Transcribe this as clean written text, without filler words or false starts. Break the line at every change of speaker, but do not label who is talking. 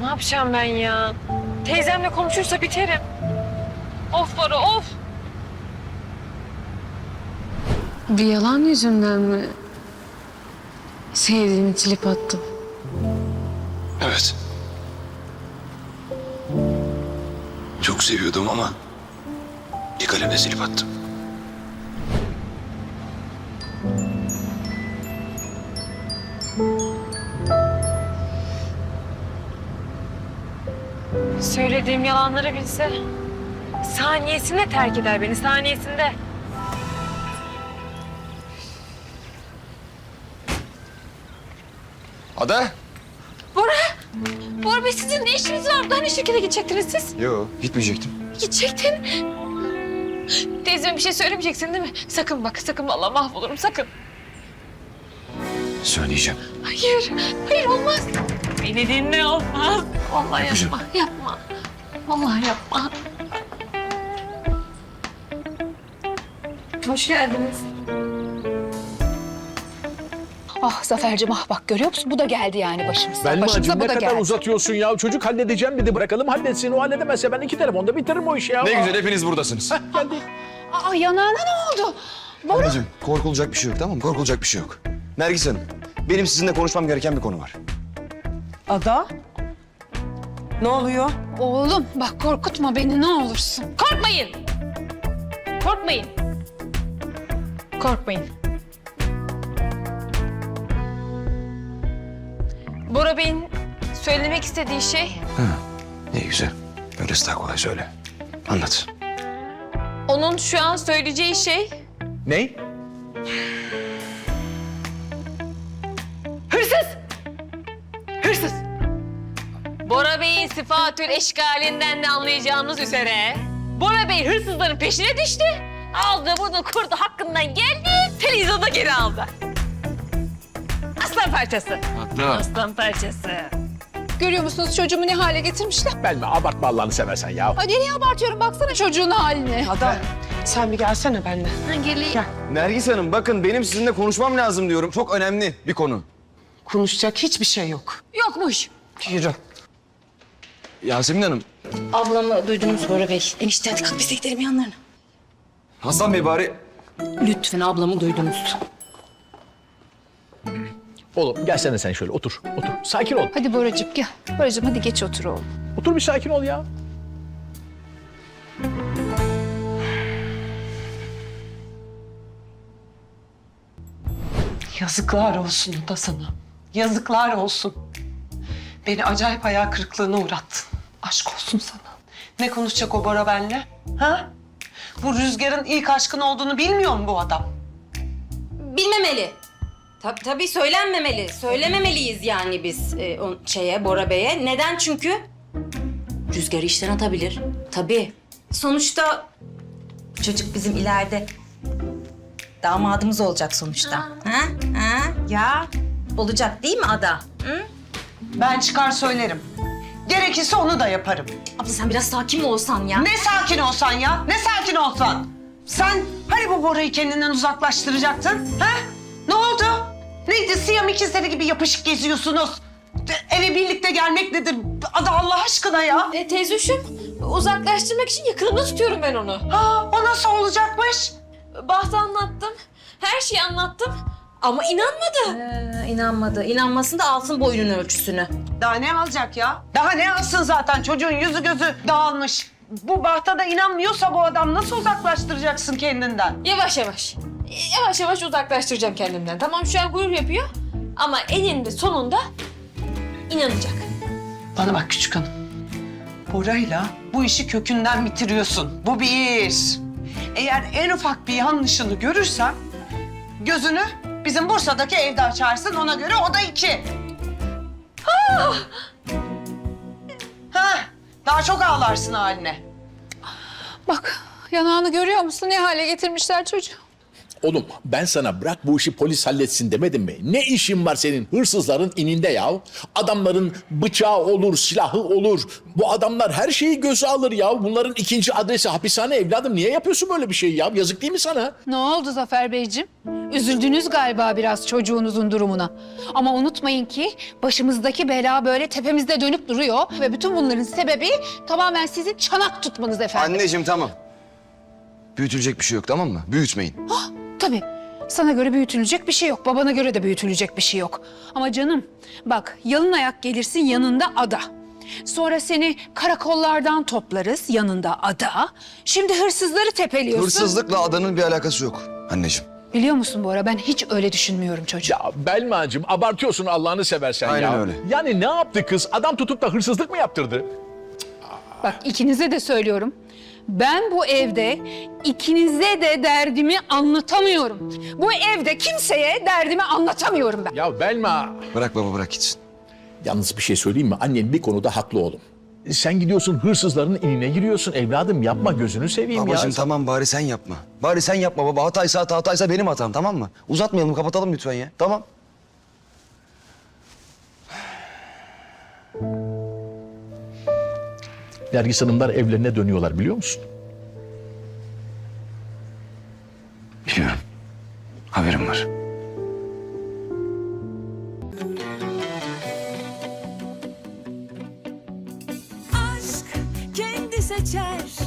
yapacağım ben ya? Teyzemle konuşursa biterim. Of Bora of. Bir yalan yüzünden mi sevdiğimi silip attım?
Evet. Çok seviyordum ama bir kalemle silip attım.
Söylediğim yalanları bilse saniyesinde terk eder beni, saniyesinde.
Ada?
Bora Bey sizin ne işiniz var? Hani şirkete gidecektiniz siz?
Yok, gitmeyecektim.
Gidecektin. Teyzeme bir şey söylemeyeceksin değil mi? Sakın bak, sakın vallahi mahvolurum, sakın.
Söyleyeceğim.
Hayır, hayır olmaz. Beni dinle olmaz. Vallahi
Yapacağım.
yapma, yapma. Vallahi yapma. Hoş geldiniz.
Ah Zafer'cim ah bak görüyor musun? Bu da geldi yani başımıza.
Belmacığım
Başımıza
ne
bu da
kadar
geldi.
uzatıyorsun ya? Çocuk halledeceğim dedi. Bırakalım halletsin. O halledemezse ben 2 telefonda bitiririm o işi ya.
Ne güzel hepiniz buradasınız.
Geldi.
Aa yanağına ne oldu?
Anneciğim, korkulacak bir şey yok, tamam mı? Korkulacak bir şey yok. Nergis Hanım, benim sizinle konuşmam gereken bir konu var.
Ada? Ne oluyor?
Oğlum bak korkutma beni ne olursun.
Korkmayın. Korkmayın. Korkmayın. Bora Bey'in söylemek istediği şey
Ne güzel. Öylesi daha kolay söyle. Anlat.
onun şu an söyleyeceği şey
Ne?
hırsız. Hırsız. Bora Bey'in sıfatül eşkalinden de anlayacağımız üzere Bora Bey hırsızların peşine düştü. Aldı bunu kurdu hakkından geldi. Televizyonda geri aldı. Aslan parçası. Aslan parçası.
Görüyor musunuz çocuğumu ne hale getirmişler?
Belme abartma Allah'ını seversen ya.
Ay nereye abartıyorum baksana çocuğun haline.
Ada sen bir gelsene benimle.
Nergis Hanım, bakın benim sizinle konuşmam lazım diyorum. Çok önemli bir konu.
Konuşacak hiçbir şey yok.
Yokmuş.
Yürü.
Yasemin Hanım,
Ablamı duydunuz Bora Bey. Enişte hadi kalk biz de gidelim yanlarına.
Hasan Bey bari...
Lütfen ablamı duydunuz.
Oğlum gelsene sen şöyle otur. Otur. Sakin ol.
Hadi Boracığım gel. Boracığım hadi geç otur oğlum.
Otur bir sakin ol ya.
Yazıklar olsun Ada sana. Yazıklar olsun. Beni acayip hayal kırıklığına uğrattın. Aşk olsun sana. Ne konuşacak o Bora benle? Ha? Bu Rüzgar'ın ilk aşkın olduğunu bilmiyor mu bu adam?
Bilmemeli. Tabii söylenmemeli. Söylememeliyiz yani biz Bora Bey'e. Neden? Çünkü Rüzgar'ı işten atabilir. Tabii. Sonuçta çocuk bizim ileride damadımız olacak sonuçta. Ha? Ya olacak değil mi Ada? Hı?
Ben çıkar söylerim. Gerekirse onu da yaparım.
Abla sen biraz sakin mi olsan ya?
Ne sakin olsan ya, ne sakin olsan. Sen hani bu Bora'yı kendinden uzaklaştıracaktın, ha? Ne oldu? Neydi, Siyam ikizleri gibi yapışık geziyorsunuz? Eve birlikte gelmek nedir? Ada Allah aşkına ya.
Teyzeciğim uzaklaştırmak için yakınımda tutuyorum ben onu.
Ha, o nasıl olacakmış?
Bahtı anlattım. Her şeyi anlattım. Ama inanmadı.
İnanmadı. İnanmasın da alsın boynun ölçüsünü.
Daha ne alacak ya? Daha ne alsın zaten? Çocuğun yüzü gözü dağılmış. Bu Baht'a da inanmıyorsa bu adam nasıl uzaklaştıracaksın kendinden?
Yavaş yavaş. Yavaş yavaş uzaklaştıracağım kendimden. Tamam şu an gurur yapıyor. Ama eninde sonunda inanacak.
Bana bak küçük hanım. Bora'yla bu işi kökünden bitiriyorsun. Bu bir. Eğer en ufak bir yanlışını görürsem gözünü bizim Bursa'daki evde açarsın, ona göre o da 2. Ha, daha çok ağlarsın haline.
Bak yanağını görüyor musun ne hale getirmişler çocuğu.
Oğlum ben sana bırak bu işi polis halletsin demedim mi? Ne işin var senin hırsızların ininde ya? Adamların bıçağı olur, silahı olur. Bu adamlar her şeyi göze alır ya. Bunların ikinci adresi hapishane evladım. Niye yapıyorsun böyle bir şey ya? Yazık değil mi sana?
Ne oldu Zafer Beyciğim? Üzüldünüz galiba biraz çocuğunuzun durumuna. Ama unutmayın ki başımızdaki bela böyle tepemizde dönüp duruyor. Ve bütün bunların sebebi tamamen sizin çanak tutmanız efendim.
Anneciğim tamam. Büyütülecek bir şey yok tamam mı? Büyütmeyin.
Tabii. Sana göre büyütülecek bir şey yok. Babana göre de büyütülecek bir şey yok. Ama canım bak yalın ayak gelirsin yanında ada. Sonra seni karakollardan toplarız yanında ada. Şimdi hırsızları tepeliyorsun.
Hırsızlıkla adanın bir alakası yok anneciğim.
Biliyor musun Bora ben hiç öyle düşünmüyorum çocuğum.
Ya Belma'cığım abartıyorsun Allah'ını seversen
Aynen
ya.
öyle.
Yani ne yaptı kız? Adam tutup da hırsızlık mı yaptırdı?
Bak ikinize de söylüyorum. Ben bu evde ikinize de derdimi anlatamıyorum. Bu evde kimseye derdimi anlatamıyorum ben.
Ya Belma.
Bırak baba bırak gitsin.
Yalnız bir şey söyleyeyim mi? Annen bir konuda haklı oğlum. Sen gidiyorsun hırsızların inine giriyorsun. Evladım yapma gözünü seveyim
Babacığım
ya.
tamam bari sen yapma. Bari sen yapma baba. Hataysa benim hatam tamam mı? Uzatmayalım kapatalım lütfen ya. Tamam.
Nergis Hanımlar evlerine dönüyorlar biliyor musun?
Biliyorum. Haberim var.
aşk kendi seçer